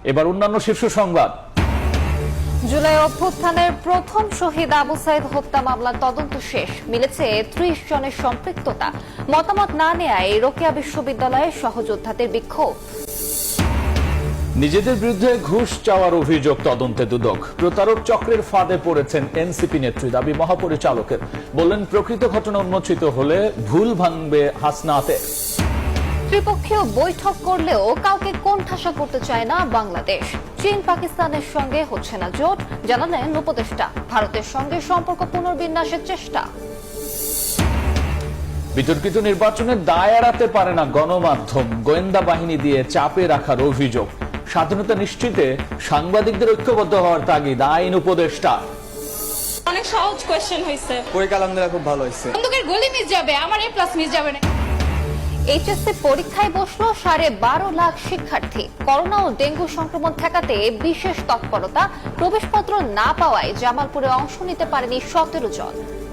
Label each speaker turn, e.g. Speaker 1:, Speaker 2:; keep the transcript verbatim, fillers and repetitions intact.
Speaker 1: এবার অন্যান্য শীর্ষ সংবাদ।
Speaker 2: জুলাই অভ্যুত্থানের প্রথম শহীদ আবু সাইদ হত্যা মামলার তদন্ত শেষ, মিলেছে ত্রিশ জনের সম্পৃক্ততা। মতামত না নেয়ায় রোকেয়া বিশ্ববিদ্যালয়ের সহযোদ্ধাদের বিক্ষোভ।
Speaker 1: নিজেদের বিরুদ্ধে ঘুষ চাওয়ার অভিযোগ তদন্তে দুদক। প্রতারক চক্রের ফাঁদে পড়েছেন এনসিপি নেত্রী, দাবি মহাপরিচালকের। বললেন প্রকৃত ঘটনা উন্মোচিত হলে ভুল ভাঙবে হাসনাতে।
Speaker 2: ত্রিপক্ষীয় বৈঠক করলেও কাউকে কোণঠাসা করতে চায় না বাংলাদেশ। চীন পাকিস্তানের সঙ্গে হচ্ছে না জোট, জানালেন উপদেষ্টা। ভারতের সঙ্গে সম্পর্ক পুনর্বিন্যাসের চেষ্টা।
Speaker 1: বিতর্কিত নির্বাচনের দায় এড়াতে পারে না গণমাধ্যম, গোয়েন্দা বাহিনী দিয়ে চাপে রাখার অভিযোগ। স্বাধীনতা নিশ্চিতে সাংবাদিকদের ঐক্যবদ্ধ হওয়ার তাগিদ আইন উপদেষ্টা।
Speaker 3: অনেক সহজ কোশ্চেন হইছে,
Speaker 4: পরীক্ষা আলহামদুলিল্লাহ খুব ভালো হয়েছে।
Speaker 3: বন্দুকের গুলি মিস যাবে, আমার এ প্লাস মিস যাবে না।
Speaker 2: এইচএসসি পরীক্ষায় বসলো সাড়ে বারো লাখ শিক্ষার্থী। করোনা ও ডেঙ্গু সংক্রমণ ঠেকাতে বিশেষ তৎপরতা। প্রবেশপত্র না পাওয়ায় জামালপুরে অংশ নিতে পারেনি সতেরো জন।